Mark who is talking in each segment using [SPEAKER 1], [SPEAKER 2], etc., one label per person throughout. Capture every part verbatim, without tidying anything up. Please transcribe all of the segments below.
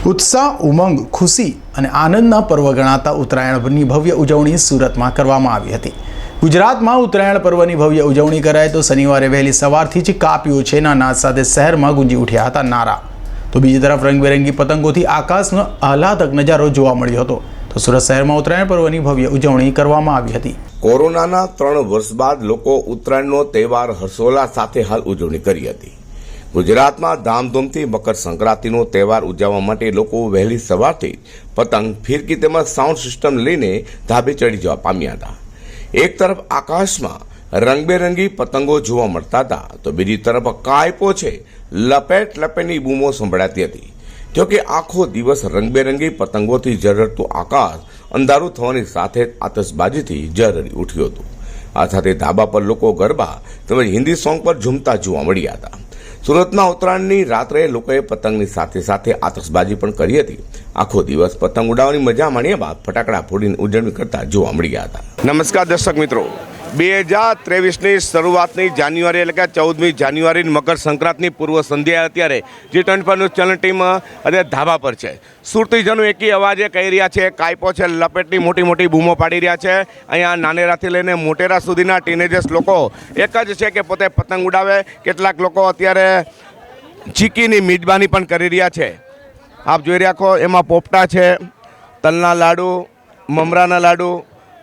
[SPEAKER 1] ઉત્સાહ, ઉમંગ, ખુશી અને આનંદના પર્વ ગણાતા ઉત્તરાયણની ભવ્ય ઉજવણી સુરતમાં કરવામાં આવી હતી। ગુજરાતમાં ઉત્તરાયણ પર્વની ભવ્ય ઉજવણી કરાય તો શનિવારે વહેલી સવારથી જ કાપ્યો છેના નાદ સાથે શહેરમાં ગુંજી ઉઠ્યા હતા નારા। તો બીજી તરફ રંગબેરંગી પતંગોથી આકાશનો આહલાદક નજારો જોવા મળ્યો હતો। તો સુરત શહેરમાં ઉત્તરાયણ પર્વની ભવ્ય ઉજવણી કરવામાં આવી હતી।
[SPEAKER 2] કોરોનાના ત્રણ વર્ષ બાદ લોકો ઉત્તરાયણનો તહેવાર હર્ષોલ્લાસ સાથે હાલ ઉજવણી કરી હતી। ગુજરાતમાં ધામધૂમથી મકર સંક્રાંતિનો તહેવાર ઉજવવા માટે લોકો વહેલી સવારથી પતંગ, ફિરકી તેમજ સાઉન્ડ સિસ્ટમ લઈને ધાબે ચડી જવા પામ્યા હતા। એક તરફ આકાશમાં રંગબેરંગી પતંગો જોવા મળતા હતા તો બીજી તરફ કાયપો છે લપેટ લપેટની બૂમો સંભળાતી હતી। જોકે આખો દિવસ રંગબેરંગી પતંગોથી ઝરઝરતું આકાશ અંધારું થવાની સાથે આતશબાજીથી ઝરહળી ઉઠ્યું હતું। આ સાથે ધાબા પર લોકો ગરબા તેમજ હિન્દી સોંગ પર ઝૂમતા જોવા મળ્યા હતા। સુરતના ઉત્તરાયણની રાત્રે લોકોએ પતંગની સાથે સાથે આતશબાજી પણ કરી હતી। આખો દિવસ પતંગ ઉડાવવાની મજા માણ્યા બાદ ફટાકડા ફોડીને ઉજવણી કરતા જોવા મળ્યા હતા। નમસ્કાર દર્શક મિત્રો, બે હજાર ત્રેવીસની શરૂઆતની જાન્યુઆરી એટલે કે ચૌદમી જાન્યુઆરી મકર સંક્રાંતની પૂર્વ સંધ્યાએ અત્યારે G twenty four news channel team અત્યારે ધાબા પર છે। સુરતીજનો એકી અવાજે કહી રહ્યા છે, કાયપો છે લપેટની મોટી મોટી બૂમો પાડી રહ્યા છે। અહીંયા નાનેરાથી લઈને મોટેરા સુધીના ટીનેજર્સ લોકો એક જ છે કે પોતે પતંગ ઉડાવે। કેટલાક લોકો અત્યારે ચીકીની મીજબાની પણ કરી રહ્યા છે। આપ જોઈ રહ્યા છો એમાં પોપટા છે, તલના લાડુ, મમરાના લાડુ,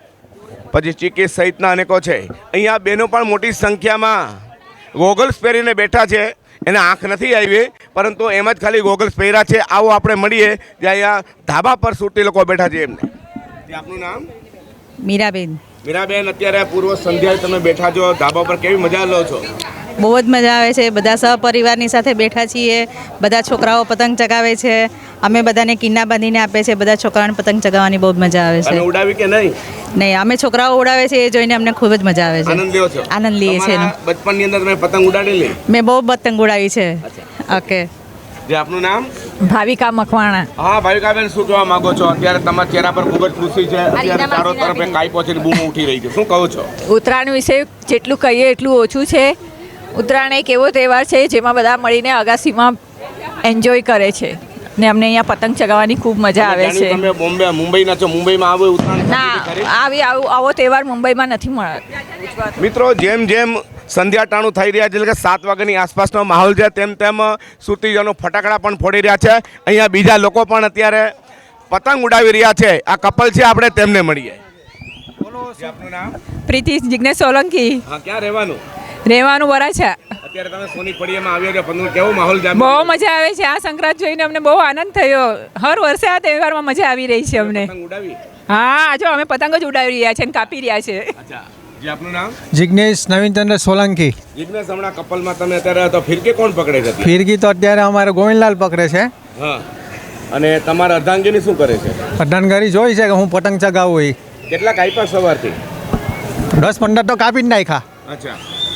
[SPEAKER 2] પછી ચીકી સહિતના અનેકો છે। અહીંયા બહેનો પણ મોટી સંખ્યામાં ગોગલ્સ પહેરીને બેઠા છે। એને આંખ નથી આવી પરંતુ એમ જ ખાલી ગોગલ્સ પહેર્યા છે। આવો આપણે મળીએ જે અહીંયા ધાબા પર સુરતી લોકો બેઠા છે એમને। આપનું નામ?
[SPEAKER 3] મીરાબેન।
[SPEAKER 2] મીરાબેન, અત્યારે પૂર્વ સંધ્યાએ તમે બેઠા છો ધાબા પર, કેવી મજા લો છો?
[SPEAKER 3] બહુ જ મજા આવે છે। બધા સહપરિવારની સાથે બેઠા છીએ। બધા છોકરાઓ પતંગ ચગાવે છે, અમે બધાને કિન્ના બાંધીને આપે છે। બધા છોકરાઓને પતંગ ચગાવવાની બહુ જ મજા આવે છે।
[SPEAKER 2] ઉડાવી કે નહીં?
[SPEAKER 3] નહીં, અમે છોકરાઓ ઉડાવે છે એ જોઈને અમને ખૂબ જ મજા આવે છે।
[SPEAKER 2] આનંદ લ્યો છો?
[SPEAKER 3] આનંદ લઈએ છીએ।
[SPEAKER 2] બચપનની અંદર તમે પતંગ ઉડાડેલી?
[SPEAKER 3] મેં બહુ પતંગ ઉડાવી છે। ઓકે।
[SPEAKER 2] જે આપનું નામ?
[SPEAKER 4] ભાવિકા મકવાણા।
[SPEAKER 2] હા ભાવિકાબેન, શું કહેવા માંગો છો? અત્યારે તમારા ચહેરા પર ખૂબ જ ખુશી છે। અત્યારે ચારો તરફ એક કાયપો છે, બૂમ ઉઠી રહી છે, શું કહો છો?
[SPEAKER 4] ઉત્તરાયણ વિશે જેટલું કહીએ એટલું ઓછું છે। ઉત્તરાયણ એક એવો તહેવાર છે જેમાં બધા મળીને અગાસીમાં એન્જોય કરે છે ને અમને અહીંયા પતંગ ચગાવવાની ખૂબ મજા આવે છે।
[SPEAKER 2] તમે બોમ્બે મુંબઈના છો, મુંબઈમાં આવો ઉત્તરાયણ?
[SPEAKER 4] ના, આવી આવો તહેવાર મુંબઈમાં નથી મળતો।
[SPEAKER 2] મિત્રો, જેમ જેમ સંધ્યા ટાણું થઈ રહ્યા છે એટલે કે સાત વાગ્યાની આસપાસનો માહોલ છે તેમ તેમ સુરતીજનો ફટાકડા પણ ફોડી રહ્યા છે। અહીંયા બીજા લોકો પણ અત્યારે પતંગ ઉડાવી રહ્યા છે। આ કપલ છે, આપણે તેમને મળીએ। આપનું નામ?
[SPEAKER 4] પ્રીતિ જિગ્નેશ સોલંકી।
[SPEAKER 2] હા, ક્યાં રહેવાનું?
[SPEAKER 4] રહેવાનું વરાછા।
[SPEAKER 2] અત્યારે તમે સોની ફળિયામાં આવ્યા છો, પતંગ કેવો માહોલ છે?
[SPEAKER 4] બહુ મજા આવે છે। આ સંક્રાંત જોઈને અમને બહુ આનંદ થયો। હર વર્ષે આ તહેવારમાં મજા આવી રહી છે અમને।
[SPEAKER 2] પતંગ ઉડાવી?
[SPEAKER 4] હા, જો અમે પતંગ જ ઉડાવી રહ્યા છે અને કાપી રહ્યા છે।
[SPEAKER 2] અચ્છા, જે આપનું નામ?
[SPEAKER 5] જિગ્નેશ નવીનચંદ્ર સોલંકી।
[SPEAKER 2] જિગ્નેશ, હમણાં કપલમાં તમે અત્યારે તો ફિરકી કોણ પકડે છે?
[SPEAKER 5] ફિરકી તો અત્યારે અમારે ગોવિંદલાલ પકડે છે।
[SPEAKER 2] હા, અને તમારા અર્ધાંગીની શું કરે છે?
[SPEAKER 5] અઢાનગરી જોઈ છે કે હું પતંગ ચગાવું એ
[SPEAKER 2] કેટલા કાપ્યા સવારથી?
[SPEAKER 5] દસ પંદર તો કાપી જ નાખ્યા।
[SPEAKER 2] અચ્છા,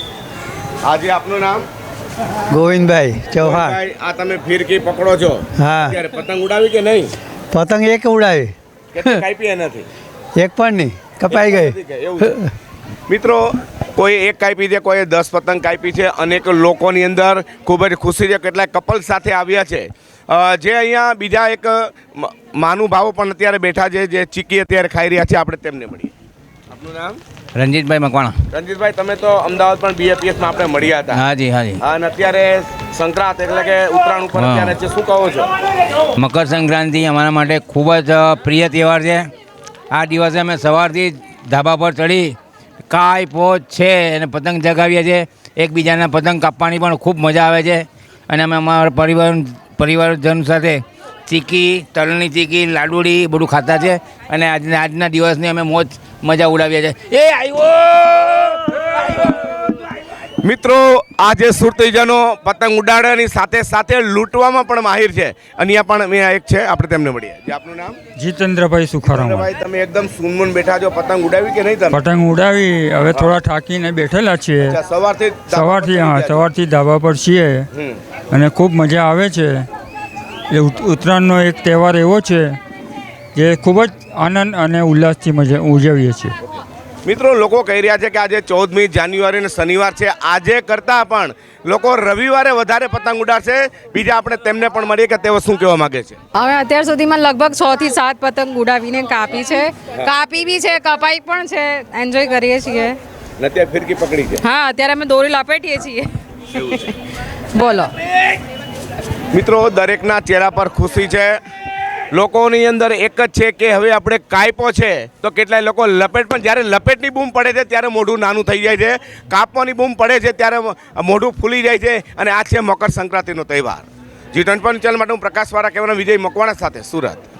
[SPEAKER 2] આજે આપનું નામ?
[SPEAKER 5] ગોવિંદભાઈ ચૌહાણ।
[SPEAKER 2] ભાઈ, આ તમે ફિરકી પકડો છો,
[SPEAKER 5] હા,
[SPEAKER 2] ત્યારે પતંગ ઉડાવી કે નહીં?
[SPEAKER 5] પતંગ એક ઉડાવી,
[SPEAKER 2] કેટલી કાપી નથી?
[SPEAKER 5] એક પણ નહીં, કપાઈ ગઈ।
[SPEAKER 2] એવું છે મિત્રો, કોઈ એક કાપી છે, કોઈ દસ પતંગ કાપી છે। અનેક લોકોની અંદર ખૂબ જ ખુશી છે। કેટલાક કપલ સાથે આવ્યા છે। જે અહીંયા બીજા એક મહાનુભાવો પણ અત્યારે બેઠા છે જે ચીકી અત્યારે ખાઈ રહ્યા છે, આપણે તેમને મળીએ। આપનું નામ?
[SPEAKER 6] રંજીતભાઈ મકવાણા।
[SPEAKER 2] રંજીતભાઈ, તમે તો અમદાવાદ પણ બીએપીએસમાં આપણે મળ્યા હતા।
[SPEAKER 6] હાજી હાજી।
[SPEAKER 2] અને અત્યારે સંક્રાંત એટલે કે ઉત્તરાયણ ઉપર અત્યારે છે, શું કહો છો?
[SPEAKER 6] મકર સંક્રાંતિ અમારા માટે ખૂબ જ પ્રિય તહેવાર છે। આ દિવસે અમે સવારથી ધાબા પર ચડી કાય પોચ છે અને પતંગ ચગાવીએ છીએ। એકબીજાના પતંગ કાપવાની પણ ખૂબ મજા આવે છે અને અમે અમારા પરિવાર પરિવારજન સાથે ચીકી, તલની ચીકી, લાડુડી બધું ખાતા છે અને આજના આજના દિવસની અમે મોજ મજા ઉડાવીએ છીએ। એ આવ્યો
[SPEAKER 2] મિત્રો, આજે સુરતીજનો પતંગ ઉડાડવાની સાથે સાથે લૂંટવામાં પણ માહિર છે। અહીંયા પણ મેં એક છે, આપણે તેમને મળીએ। જે આપનું નામ?
[SPEAKER 7] જીતેન્દ્રભાઈ સુખારામ।
[SPEAKER 2] ભાઈ, તમે એકદમ સુનમુન બેઠા છો, પતંગ ઉડાવી કે નહીં તમે?
[SPEAKER 7] પતંગ ઉડાવી, હવે થોડા થાકીને બેઠેલા છીએ।
[SPEAKER 2] સવારથી
[SPEAKER 7] સવારથી હા સવારથી ધાબા પર છીએ અને ખૂબ મજા આવે છે। એ ઉત્તરાયણનો એક તહેવાર એવો છે જે ખૂબ જ આનંદ અને ઉલ્લાસથી મજા ઉજવીએ છીએ।
[SPEAKER 2] મિત્રો લોકો કહી રહ્યા છે કે આજે ચૌદમી જાન્યુઆરી અને શનિવાર છે, આજે કરતાં પણ લોકો રવિવારે વધારે પતંગ ઉડાડશે. બીજા આપણે તેમને પણ મળીએ કે તેઓ શું કહેવા માંગે છે.
[SPEAKER 8] અમે અત્યાર સુધીમાં લગભગ છ થી સાત પતંગ ઉડાવીને કાપી છે, કાપી બી છે, કપાઈ પણ છે, એન્જોય કરીએ છીએ.
[SPEAKER 2] ને અત્યારે ફિરકી પકડી છે.
[SPEAKER 8] હા, અત્યારે અમે દોરી લપેટીએ છીએ. બોલો
[SPEAKER 2] મિત્રો, દરેકના ચહેરા પર ખુશી છે. લોકોની અંદર એક જ છે કે હવે આપણે કાપ્યો છે તો કેટલાય લોકો લપેટ, પણ જ્યારે લપેટની બૂમ પડે છે ત્યારે મોઢું નાનું થઈ જાય છે, કાપવાની બૂમ પડે છે ત્યારે મોઢું ફૂલી જાય છે. અને આ છે મકર સંક્રાંતિનો તહેવાર. જી ટ્વેન્ટી ચેનલ માટે હું પ્રકાશવાળા કેમેરા વિજય મકવાણા સાથે સુરત.